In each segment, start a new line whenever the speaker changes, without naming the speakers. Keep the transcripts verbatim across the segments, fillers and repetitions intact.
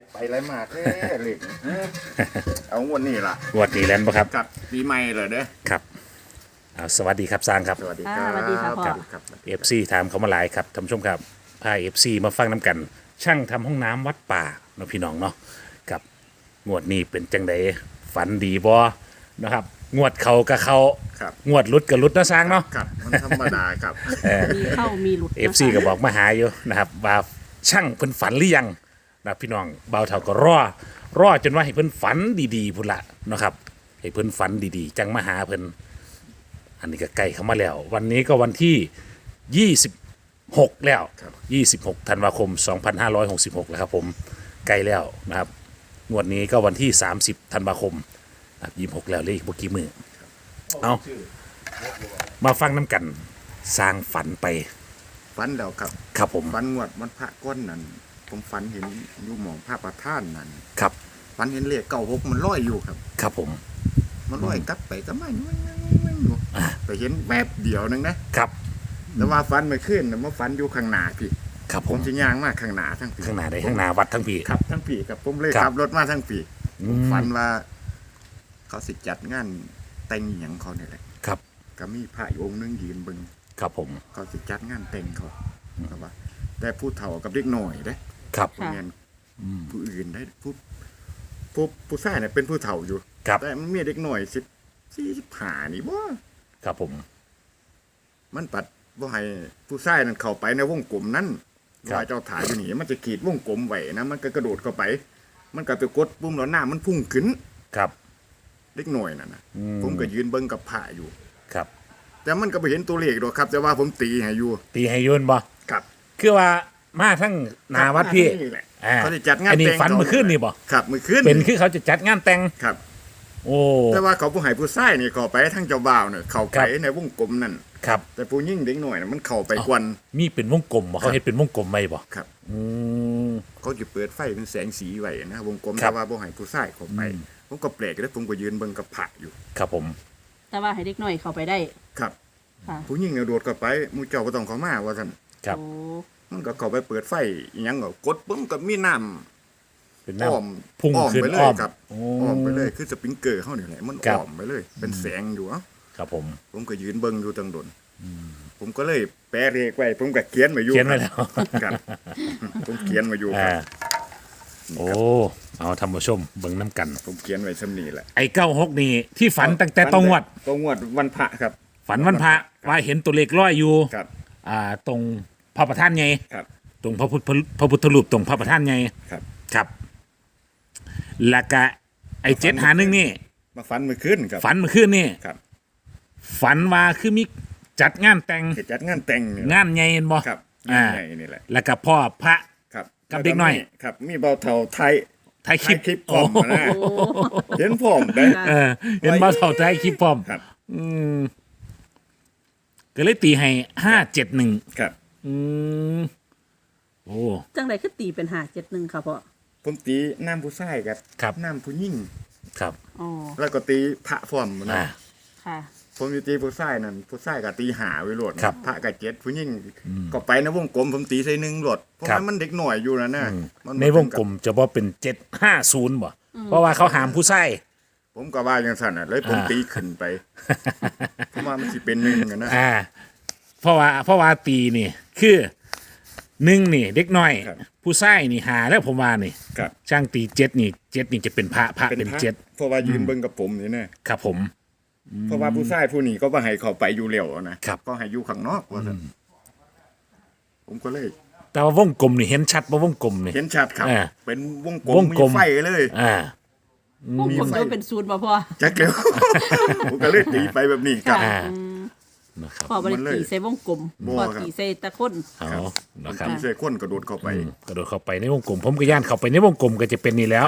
ไปไรมาแท้เลยเอางวดนี้ล่ะ
งวดนี้แล้วบ่ครับ
กับปีใหม่เลยเด้อ
ครับเอาสวัสดีครับสร้างครับ
สวัสดีครับ
อ่าสวัสดีค่ะพ่อ
ครับครับ
เอฟซีถามเขามาหลายครับท่านผู้ชมครับพาเอฟซีมาฟังน้ำกัน ช่างทำห้องน้ำวัดป่าเนาะพี่น้องเนาะกับงวดนี้เป็นจังไดฝันดีบ่นะครับงวดเขากับเขา
ครับ
งวดลุดกับลุดเนาะสร้างเนาะ
ครับมันธรรมดาครับ
มีเข้ามีหลุด
เอฟซีก็บอกมาหาอยู่นะครับว่าช่างเพิ่นฝันหรือยังนะพี่น้องเบาเท่าก็รอรอจนว่าให้เพิ่นฝันดีๆพุ่นละเนาะครับให้เพิ่นฝันดีๆ จังมาหาเพิ่นอันนี้ก็ใกล้เข้ามาแล้ว วันนี้ก็วันที่ยี่สิบหกแล้ว
ครับ
ยี่สิบหกธันวาคมสองพันห้าร้อยหกสิบหกแล้วครับผมใกล้แล้วนะครับงวดนี้ก็วันที่สามสิบธันวาคมนะครับยี่สิบหกแล้วเลขเมื่อกี้มือเอามาฟังน้ำกันสร้างฝันไป
ฝันแล้วครับ
ครับผม
ฝันงวดมันพระก้อนนั่นผมฝันเห็นอยู่หมองพระประธานนั่น
ครับ
ฝันเห็นเลขเก้าหกมันลอยอยู่ครับ
ครับผม
มันลอยกลับไปก็ไม่ไม่ไม่ไม่อยู่ไปเห็นแวบเดียวนึงนะครับ แต่ว่าฝันไม่ขึ้นนะมาฝันอยู่ข้างหน้าพี่
ครับ
ผ
ผม ม
จะย่างมากข้างหน้าทั้งปี
ข้างหน้าได้ข้างหน้าวัดทั้งปี
ครับทั้งปีครับผมเลย
ครับ
ขับรถมาทั้งปี
อื
ผม
ม
ฝันว่า เขาสิจัดงานแต่งอหย่างเขาเนี่ยแหละ
ครับ
ก็มีพระอยู่องค์หนึงยืนเบึง
ครับผม
เขาสิจัดงานแต่งเขาครับว่าแต่ผู้เฒ่ากับเด็กหน่อยเด้
ครับ
ผู้เรียนผู้อื่นได้ผู้ผู้ผู้ชายเนี่ยเป็นผู้เฒ่าอยู่
ครับ
แต่มันมีเด็กหน่อยสิบสี่สิบห้านี่บ่
ครับผม
มันปัดบ่ให้ผู้ชายนั้นเข้าไปในวงกลมนั้น
ครับ
ว่าเจ้าถ่ายอยู่นี่มันจะขีดวงกลมไว้นะมันก็กระโดดเข้าไป มันก็ไปกดปุ่มแล้วหน้ามันพุ่งขึ้น
ครับ
เด็กหน่อยนั่นนะ
อืม
ผมก็ยืนเบิ่งกับผ้าอยู่
ครับ
แต่มันก็ไปเห็นตัวเลขดอกครับ แต่ว่าผมตีให้อยู่
ตีให้ยนบ่
ครับ
คือว่ามาทั้งหนาวัดพี่
นี่แหละ
อ่า
เขาจะจัดงาน
อันนี้
แต่ง
ฝันเมื่อคืนนี่บ่
ครับเมื่อคืน
เป็นคือเขาจะจัดงานแต่ง
ครับ
โอ้
แต่ว่าเขาผู้ให้ผู้ชายนี่เข้าไปทั้งเจ้าบ่าวเนี่ยเข้า
ครั
ไป
บ
ในวงกลมนั่น
ครับ
แต่ผู้ยิ่งเด็กหน่อยน่ะมันเข้าไปกวน
มีเป็นวงกลมบ่เขาเฮ็ดเป็นวงกลมไหมบ่
ครับ
อืม
เขาจะเปิดไฟเป็นแสงสีไว้นะวงกลม
ครั
แต่
บ
ว่าบ่ให้ผู้ชายเข้าไป
อืม
ผมก็แปลกแล้วผมก็ยืนเบิ่งกับผ้าอยู่
ครับผม
แต่ว่าให้เด็กหน่อยเข้าไปได้
ครับ
ค่ะ
ผู้หญิงเนี่ยโดดเข้าไปหมู่เจ้าบ่ต้องเข้ามาว่าซั่น
ครับ
โอ้
มันก็เข้าไปเปิดไฟอีหยังก็กดปึ้งก็มีน้ำ
เป็น
อ้อม
น้ำพุ่ง
อ้อม
ขึ้น
ไปเล
อ้
ย
อม
ครับ
โอ้
อ้อมไปเลยคือสปริงเกอร์เฮานี่แหละมัน
ครับ
อ้อมไปเลย เป็นแสงอยู่เอ้า
ครับผม
ผมก็ยืนเบิ่งอยู่ตั้งดนผมก็เลยแปะเลขไว้ผมก็เขียนไว้อยู่
เขียนไว้แล้ว
ครับ ผมเขียนไว้อยู่ค
อ่า
รับ
โอ้เอาท่านผู้ชมเบิ่งน้ำกัน
ผมเขียนไว้ซำนี้แหละ
ไอ้เก้าหกนี่ที่ฝันตั้งแต่ตองวด
ตรงวดวันพระครับ
ฝันวันพระว่าเห็นตัวเลขร้อยอยู่
ครับ
อ่าตรงพระประธานไง
ครับ
ตรงพระพุทธพระพุทธรูปตรงพระประธานไง
ครับ
ครับแล้วก็ไอ้เจ็ดหาหนึ่งนี่
มาฟันมือขึ้นครับ
ฝันเมื่อคืนนี่
ครับ
ฝันว่าคือมีจัดงานแต่ง
เหตุจัดงานแต่งนี่แหละ
งานใหญ่เห็นบ่
ครับ
อ่า
ใหญ่นี่แหละ
แล้วก็พ่อพระ
ครับ
กับเด็กน้อย
ครับ มีเบาเท่าไทย
ถ่ายคลิป
ถ่ายคลิปพร้อม
โอ้
นะ เห็นพร้อมได้
เออเห็นบ่าวเท่าถ่ายคลิปพร้อม
ครับ
อืมก็เลยตีให้ห้าเจ็ดหนึ่ง
ครับ
อืมโอ้
จังไดคือตีเป็นหาเจ็ดหนึ่งค่ะพ่อ
ผมตีน้ำผู้ชายกับ
ครับ
น้ำผู้หญิง
ครับ
อ๋อ
แล้วก็ตีพระพร้อมนะ
อ่า
ค่ะ
ผมอยู่ตีผู้ชายนั่นผู้ชายก็ตีหาไว้โหลดนะครับ พระกับเจ็ดผู้หญิง
อืม
ก็ไปในวงกลมผมตีใส่หนึ่งโหลดเพราะ
ครับ
ว่ามันเด็กหน่อยอยู่นะนะมั
ในวงกลมจะบอกเป็นเจ็ดห้าศูนย์บ่เพราะว่าเขาหามผู้ใส่
ผมก็ว่าอย่างนั้นน่ะเลยผม
อ่า
ตีขึ้นไปเพราะว่ามันสิเป็นหนึ่งอะนะ
อ่า เพราะว่าเพราะว่าตีนี่ คือหนึ่งนี่ เด็กน้อย
ครับ
ผู้ใส่นี่หาแล้วผมว่านี่
ครับ
ช่างตีเจ็ดนี่เจ็ดนี่จะเป็นพระพระเป็น
พระ
เจ็ด
เพราะว่ายืนเบิ่งกับผมนี่นะครับ
ผม
เพราะว่าผู้ชายผู้นี้ก็บ่ให้เข้าไปอยู่เร็วนะครับ ก็ให้อยู่ข้างนอกว่าซั่นผมก็เลย
แต่ว่าวงกลมนี่เห็นชัดว่าวงกลมนี่
เห็นชัดครับ
อ่า
เป็นวงกลม
วงกลม
มีไฟเลย
อ่า
พวก
มี
ผม
ไฟ
จะเป็นศูนย์ป่ะพ่อ
จักเร็ว ผมก็เลยตีไปแบบนี้ครับ
อ่า
อืม
นะครับ
พ่อบริ
มันเลย
ตีใส่วงกลม
บ่
พ่อ
ครับ
ตีใส่ตะคน
เอานะครับ
ตีใส่คนกระโดดเข้าไป
อืมกระโดดเข้าไปในวงกลม ผมก็ย่านเข้าไปในวงกลมก็จะเป็นนี่แล้ว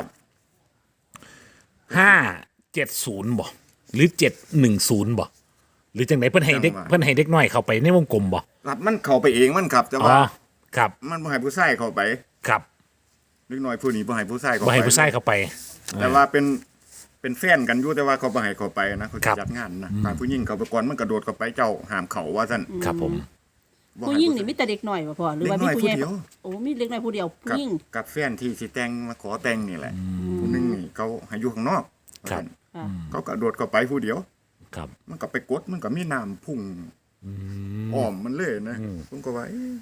ห้าเจ็ดศูนย์บ่หรือเจ็ดหนึ่งศูนย์บ่หรือจังไหนเพิ่นให้เด็ก
จังหวะ
เพิ่นให้เด็กน้อยเข้าไปในวงกลมบ่
ครับมันเข้าไปเองมันครับแต่
อ๋
ว่า
อครับ
มันบ่ให้ผู้ชายเข้าไป
ครับ
เล็กน้อยผู้นี้บ่ให้ผู้ชายเข้า
บ่
ไป
ให้ผู้ชายเข้าไป
แต่ว่าเป็นเป็นแฟนกันอยู่แต่ว่าเขาบ่ให้เข้าไปนะเขา
ครั
จะ
บ
จัดงานนะการผู้หญิงเขาไปก่อนมันกระโดดเข้าไปเจ้าห้ามเขาว่าซั่น
ครับผม
บ่
ผู้
ให้
หญิงนี่มีแต่เด็กหน่อยบ่พ่อหรือว่ามีผู้ใหญ่
เด็กน้อยผู้เดียว
โอ้มีเด็กน้อยผู้เดียวผู้
กับ
หญิง
กับแฟนที่สิแต่งมาขอแต่งนี่แหละผู้หนึงนี่เขาให้อยู่ข้างนอก
ครับ
ค่ะ
เขาก็โดดเข้าไปผู้เดียว
ครับ
มันก็ไปกดมันก็มีน้ำพุ่งอ้อมมันเลยนะผมก็ว่าเอ๊ะ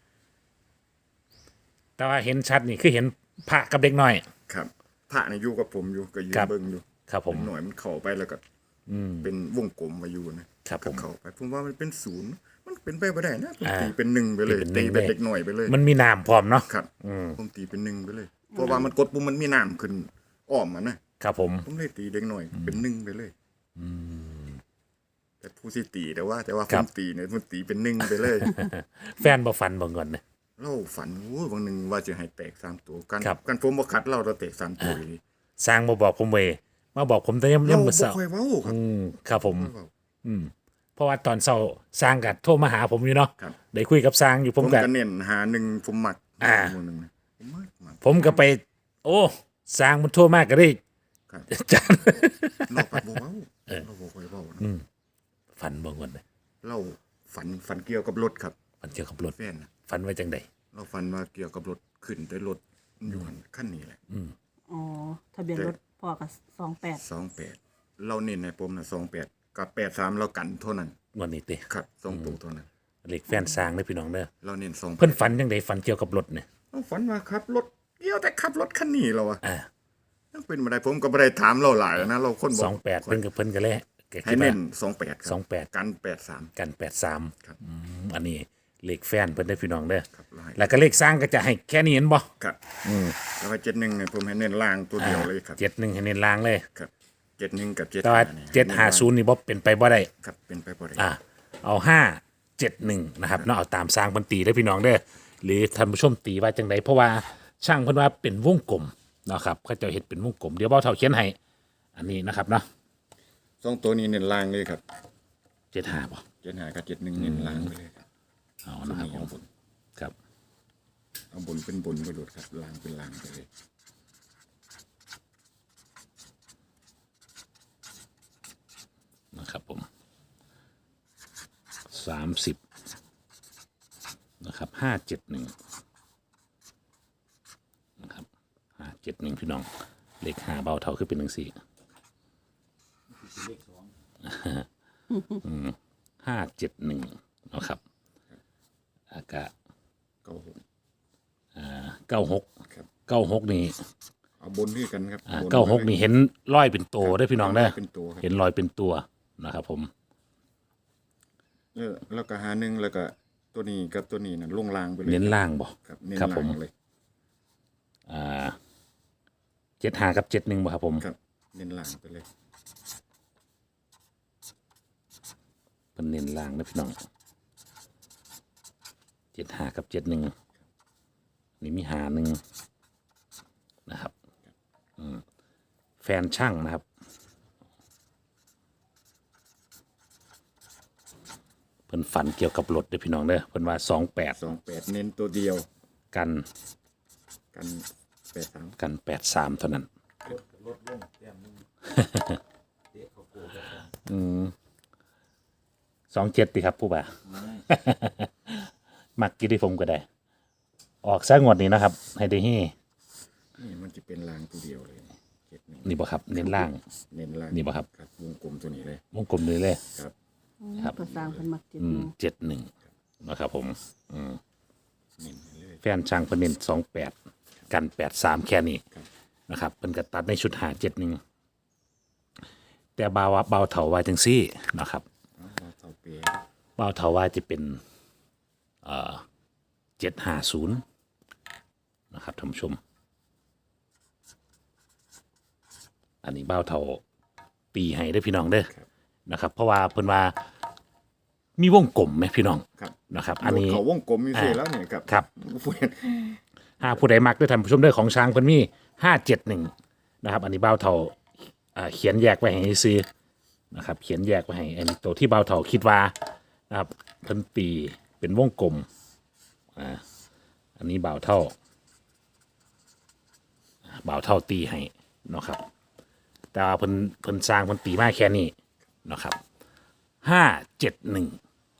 แต่ว่าเห็นชัดนี่คือเห็นพระกับเด็กน้อย
ครับพระนี่อยู่กับผมอยู่ก็ยืน
ครับ
เบิ่งอยู่
ครับผม
หน่อยมันเข้าไปแล้วก็เป็นวงกลมมาอยู่นะครับ
ผม
ก็เข้าไปผมว่ามันเป็นศูนย์มันเป็นไปบ่ได้นะผม
อ่า
ตีเป็นหนึ่งไปเลย
ตีเป็นหนึ่
ตี
ง
เป็น
เลย
เด็กหน่อยไปเลย
มันมีน้ำพร้อมเนาะ
ครับผมตีเป็นหนึ่งไปเลย เพราะว่ามันกดปุ่มมันมีน้ำขึ้นอ้อมมันนะครับ
ผม
ผมเลยตีเด็กหน่อยเป็นหนึ่งไปเลยแต่ผู้สิตีแต่ว่า แต่ว่า
ค
ผ
รับ
มตีเนี่ยผมตีเป็นหนึ่งไปเลย
แฟนบ่ฟันบ่เงินเนี่ย
เราฝันโอ้ยบางหนึ่งว่าจะให้แตกสามตัวกัน
ครับ
กันผมบ่คัดเราเราแตกสามตัวอยู่ดี
สร้างมาบอกผมเวยมาบอกผมแต่ย่ำ
เรา
ย่ำ
บ่
มื้อเช้า
ค่อยเว้าครับ
อืมครับผม
เว้า
เพราะว่าตอนเช้าสร้างกัโทรมาหาผมอยู่เนาะ
ครับ
ได้คุยกับสร้างอยู่ผ
ผม ม
ก็
ก็เน้นหาหนึ่งผมหมัก
อ่า
หมู่หนึ่งนะผมมักมัก
ผมก็ไป โอ้สร้างมันโทรมากก็ได้
ครับ
จัน
เราปัดบ่เว้าเราบ่ค่อยเว้านะ
ฝันบ่เงินเลย
เราฝันฝันเกี่ยวกับรถครับ
ฝันเกี่ยวกับรถ
แฟนนะ
ฝันไว้จังใด
เราฝันว่าเกี่ยวกับรถขึ้นแต่รถอยู่หันขั้นนี้แหละ
อ๋อทะเบียนรถพ่อกับสองแปด
สองแปดเราเน้นในผมนะสองแปดกับแปดสามเรากันเท่านั้น
งวดนี้ติ
ครับสองตัวเท่านั้น
เลขแฟนสร้างเด้อพี่น้องเด้อ
เราเน้นสอง
เพิ่นฝันจังใดฝันเกี่ยวกับรถเนี่ย
เราฝันว่าขับรถเกี่ยวแต่ขับรถคันนี้เราอะ
อ่า
ยังเป็นมาได้ผมก็ไม่ได้ถามเราหลายนะเราคนบ
ส
อ
อก งแปดเพิ่นกับเพิ่นก็เลยก็
ให้
คิดว่า
เน้นสองแปด
สองแปด
กันแปดสาม
กันแปดสาม
ครับ
อืมอันนี้เลขแฟนเพิ่นได้อพี่น้องเด้อ
ครับเราให้
แล้วก็เลขสร้างก็จะให้แค่นี้เห็นบ่
ครับแล้วก็เจ็ดหนึ่งเนี่ยผมให้เน้นล่างตัวเดียวเลยครับ
เจ็ดหนึ่งให้เน้นล่างเลย
ครับเจ็ดหนึ่งกับเจ็ด
แต่ว่า
นี่
เจ็ดห้าศูนย์นี่บ่เป็นไปบ่ได้
ครับเป็นไปบ่ได้
อ่าเอาห้าเจ็ดหนึ่งนะครับเนาะเอาตามสร้างเพิ่นตีได้อพี่น้องเด้อหรือท่านผู้ชมตีว่าจังไดเพราะว่าช่างเพิ่นว่าเป็นวงกลมเนาะครับเขาเจะเฮ็ดเป็นวงกลมเดี๋ยวเบาเท่าเขียนให้อันนี้นะครับเนาะ
สองตัวนี้เน้นล่างเลยครับ
เจ็ดห้าบ่
เจ็ดห้ากับเจ็ดหนึ่งเน้นล่างไปเลยครับ
เอานะครับผ
เอา
ม
บน
ครับ
เอาบนเป็นบนไปโดดครับล่างเป็นล่างไปเลย
นะครับผมสามสิบนะครับห้าเจ็ดหนึ่งนะครับห้าเจ็ดหนึ่งพี่น้องเลขห้าเบาเท่าขึ้นเป็นหนึ่งสี่ห้าเจ็ดหนึ่งนะครับอากาศ
เก้าหก
เก้าหก
ครับ
เก้าหกนี่
เอาบนด้วยกันครับบน
เก้าหกนี่เห็นรอยเป็นตัวได้อพี่น้องได้อ
เป็นตัวครับ
เห็นรอยเป็นตัวนะครับผม
แล้วแล้วก็หาหนึ่งแล้วก็ตัวนี้กับตัวนี้น่ะลงล่างไปเลย
เน้นล่างบ่
ครับเน้น
ครับ
ล่า
ผม
งเลย
เจ็ดห้ากับเจ็ดหนึ่งบ่ครับผม
ครับเน้นล่างไปเลย
เป็นเน้นล่างนะพี่น้องเจ็ดห้ากับเจ็ดหนึ่งนี่มีหาหนึ่งนะครับอืมแฟนช่างนะครับเพิ่นฝันเกี่ยวกับรถเด้อพี่น้องเด้อเพิ่นว่าสองแปด
สองแปดเน้นตัวเดียว
กัน
กันแปดสาม
กันแปดสามเท่านั้น อืมสองเจ็ดดีครับผู้บ่า มักกิติผมก็ได้ ออกซะงวดนี้นะครับ ให้ได้ฮี่
นี่มันจะเป็นล่างตัวเดียวเลยเจ็ดหนึ่ง
นี่บ่ครับ เน้นล่าง
เน้นล่าง
นี่บ่ครับ
ครับวงกลมตัวนี้เลย
วงกลมเลยเลย
ครับ
ครับ
ภาษาเพิ่นมักเจ็ด
อื
ห
ม
นึ่ง
เจ็ดหนึ่งนะครับผม
เน้นเลย
แฟนช่างเพิ่นเน้นสองแปดกันแปดสามแค่นี้นะครับเพิ่นก็ตัดในชุดหาเจ็ดหนึ่งแต่บาวาเบาเถาว่าจังซี่นะครับ
เอาว่าเท่าเปย์
เบาเถาว่าจะเป็นเอ่อเจ็ดห้าศูนย์นะครับท่านผู้ชม อันนี้เบาเถาตีให้ได้อพี่น้องเด้อนะครับ เพราะว่าเพิ่นว่ามีวงกลมไหมพี่น้อง
ครับ
นะครับ อันนี้
เขาวงกลมอยู่สิแล้วเนี่ยครับ
ครับ
ผู้เห็น
หากผู้ใดมักด้วยท่านผู้ชมด้วยของช้างเพิ่นมีห้าเจ็ดหนึ่งนะครับ อันนี้เบ้าเท่าอ่าเขียนแยกไว้ให้ซื้อนะครับ เขียนแยกไว้ให้อันนี้ตัวที่เบ้าเท่าคิดว่านะครับเพิ่นตีเป็นวงกลมอ่าอันนี้เบ้าเท่าเบ้าเท่าตีให้เนาะครับ แต่ว่าเพิ่นเพิ่นสร้างเพิ่นตีมาแค่นี้เนาะครับห้าเจ็ดหนึ่ง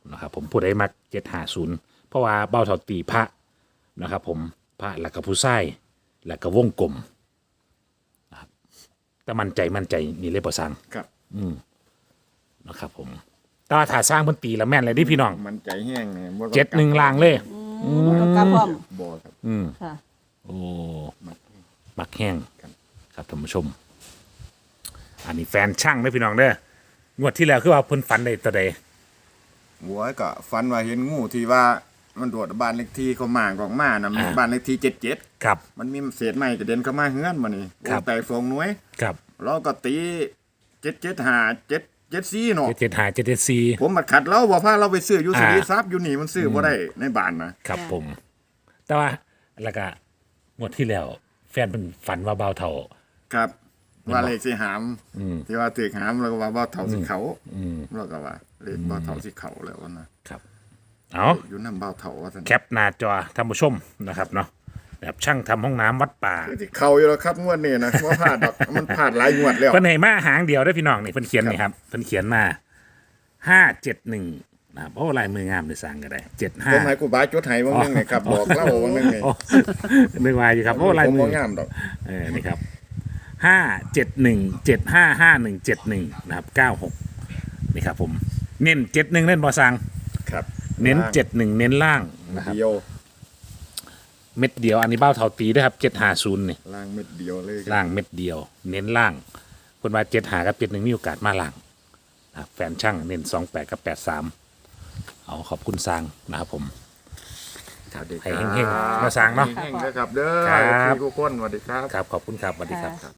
นะครับผมผู้ใดมักเจ็ดห้าศูนย์เพราะว่าเบ้าเท่าตีพระนะครับผมพระหลักกับผู้ไส้หลักกับวงกลมนะครับแต่มั่นใจมั่นใจนี่เลยประสัง
ครับ
นะครับผมแต่ว่าถ้าสร้างเพิ่นตีแล้วแม่นเลยดิพี่น้อง
มันใจแห้งเนี่ยบ่ต้อง
เจ็ดหนึ่งลางเลย
อืมต้องกลับพร้อม
บ่ครับ
อืม
ค่ะ
โอ้
มัน
มักแห้ง
ครับ
ครับท่านผู้ชม อันนี้แฟนช่างเด้อพี่น้องเด้องวดที่แล้วคือว่าเพิ่นฝันได้ตัวใด
หัวก็ฝันว่าเห็นงูที่ว่ามันโดดบ้านเลขที่เขามากออกมานะมันบ้านเลขที่เจ็ดเจ็ด
ครับ
มันมีเศษไม้กระเด็นเข้ามาเฮือนมานี่
ครับ
แต่ฟองหน่วย
ครับ
เราก็ตีเจ็ดเจ็ดห้าเจ็ดเจ็ดสี่เนาะ
เจ็ดเจ็ดห้าเจ็ดเจ็ดสี่
ผมบัดขัดเราบอกพาเราไปซื้ออยู่
อ่า
สุริทรัพย์อยู่นี่มันซื้อบ่ได้ในบ้านนะครับ
ผม แต่ว่าแล้วก็งวดที่แล้ว แฟนเพิ่นฝันว่าเบาเท่า
ครับว่าเลขสิหาม
อืม
ที่ว่าตึกหามแล้วก็ว่าบ่เท่าสิเขา
อืม
แล้วก็ว่าเลขบ่เท่าสิเขาแล้วนะครับ
เอา
อยู่นำบ่เท่าว่าซั่น
แคปหน้าจอท่านผู้ชมนะครับเนาะแบบช่างทำห้องน้ำวัดป่า
คือสิเขาอยู่แล้วครับงวดนี้นะว่าพลาดดอกมันพลาดหลายงวดแล้ว
เพิ่นให้มาหางเดียวได้อพี่น้องนี่เพิ่นเขียนนี่ครับเพิ่นเขียนมาห้าเจ็ดหนึ่งนะครับโอ้ลายมืองามเลยสั่งก็ได้เจ็ดห้า
ผมให้กูบาจดให้ว่านึงไงครับบอกเล่าว่านึงไง
โอ้นึกว่าอยู่ครับโอ้ลาย
ผม
มื
บ่
อ
งามดอก
เออนี่ครับห้าเจ็ดหนึ่งเจ็ดห้าห้าหนึ่งเจ็ดหนึ่งนะครับเก้าหกนี่ครับผมเน้นเจ็ดหนึ่งเล่นบอสัง
ครับ
เน้นเจ็ดหนึ่งเน้นล่างนะครับ
เดียว
เม็ดเดียวอันนี้เบ้าเท่าตีด้วยครับเจ็ดห้าศูนย์นี่
ล่างเม็ดเดียวเลยครับ
ล่างเม็ดเดียว เน้นล่างคนว่าเจ็ดหากับเจ็ดหนึ่งมีโอกาสมาล่างนะครับแฟนช่างเน้นสองแปดกับแปดสามเอาขอบคุณสร้างนะครับผม
สวัสดี
ให้
ครับ
เฮงๆมาสร้างเนาะ
เฮงๆนะครับเด้อ
ครับ
พี่ทุกคนสวัสดีครับ
ครับขอบคุณครับสวัสดีครับ